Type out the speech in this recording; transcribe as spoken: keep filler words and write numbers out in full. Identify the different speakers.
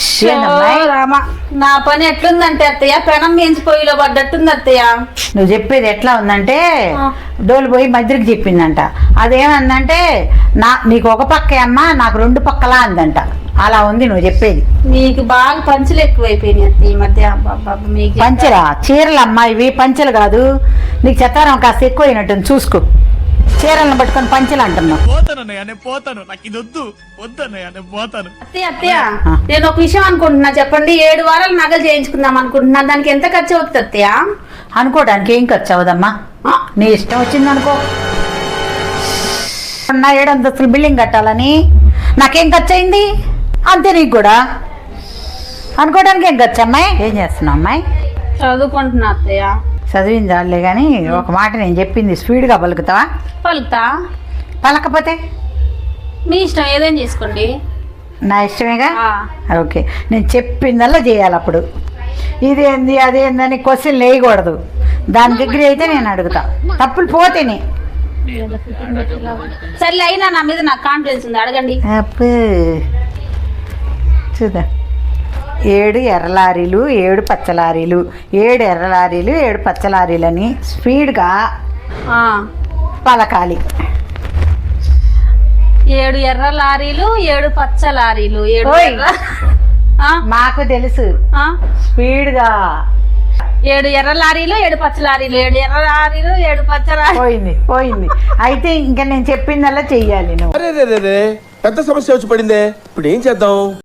Speaker 1: నా పని ఎట్లుందంటే అత్తయ్య పెనం మించి పొయ్యిలో పడ్డట్టుంది అత్తయ్య.
Speaker 2: నువ్వు చెప్పేది ఎట్లా ఉందంటే డోలు పోయి మధ్యకి చెప్పిందంట. అదేమందంటే నా నీకు ఒక పక్కే అమ్మా నాకు రెండు పక్కలా అందంట. అలా ఉంది నువ్వు చెప్పేది.
Speaker 1: నీకు బాగా పంచులు ఎక్కువైపోయినాయి అత్తయ్య ఈ మధ్య. మీకు
Speaker 2: పంచలా చీరలు అమ్మా ఇవి పంచలు కాదు. నీకు చెత్తారం కాస్త ఎక్కువైనట్టుంది చూసుకో. చీరలను పట్టుకొని పంచలు అంటున్నావు.
Speaker 1: అత్తయ్య అత్తయ్య నేను ఒక విషయం అనుకుంటున్నా, చెప్పండి. ఏడు వారాలు నగలు చేయించుకుందాం అనుకుంటున్నా, దానికి ఎంత ఖర్చు అవుతుంది అత్తయ్య?
Speaker 2: అనుకోవడానికి ఏం ఖర్చు అవదమ్మా, నీ ఇష్టం వచ్చింది అనుకో. నా ఏడు అంతస్తులు బిల్డింగ్ కట్టాలని నాకేం ఖర్చు అయింది అంతే. నీకు కూడా అనుకోవడానికి ఏం ఖర్చు అమ్మాయి? ఏం చేస్తున్నావు అమ్మాయి?
Speaker 1: చదువుకుంటున్నా అత్తయ్య.
Speaker 2: చదివించాలే కానీ ఒక మాట నేను చెప్పింది స్పీడ్గా పలుకుతావా?
Speaker 1: పలుకుతా.
Speaker 2: పలకపోతే
Speaker 1: మీ ఇష్టం, ఏదైనా చేసుకోండి.
Speaker 2: నా ఇష్టమేగా. ఓకే, నేను చెప్పిందల్లా చేయాలి. అప్పుడు ఇదేంది అదేందని క్వశ్చన్ వేయకూడదు. దాని దగ్గర అయితే నేను అడుగుతా, తప్పులు పోతేనే.
Speaker 1: సర్లే, అయినా నా మీద నాకు కాన్ఫిడెన్స్ ఉంది, అడగండి.
Speaker 2: అప్పు చూద్దాం. ఏడు ఎర్ర లారీలు ఏడు పచ్చ లారీలు, ఏడు ఎర్ర లారీలు ఏడు పచ్చ లారీలని స్పీడ్గా పలకాలి.
Speaker 1: ఏడు ఎర్ర లారీలు ఏడు పచ్చ లారీలు. ఏడు
Speaker 2: మాకు తెలుసు. స్పీడ్గా
Speaker 1: ఏడు ఎర్ర లారీలు ఏడు పచ్చ లారీలు. ఏడు ఎర్ర లారీలు ఏడు పచ్చ లారీలు.
Speaker 2: పోయింది పోయింది. అయితే ఇంకా నేను చెప్పిందల్లా చెయ్యాలి నువ్వు.
Speaker 3: పెద్ద సమస్య వచ్చి పడిందే, ఇప్పుడు ఏం చేద్దాం?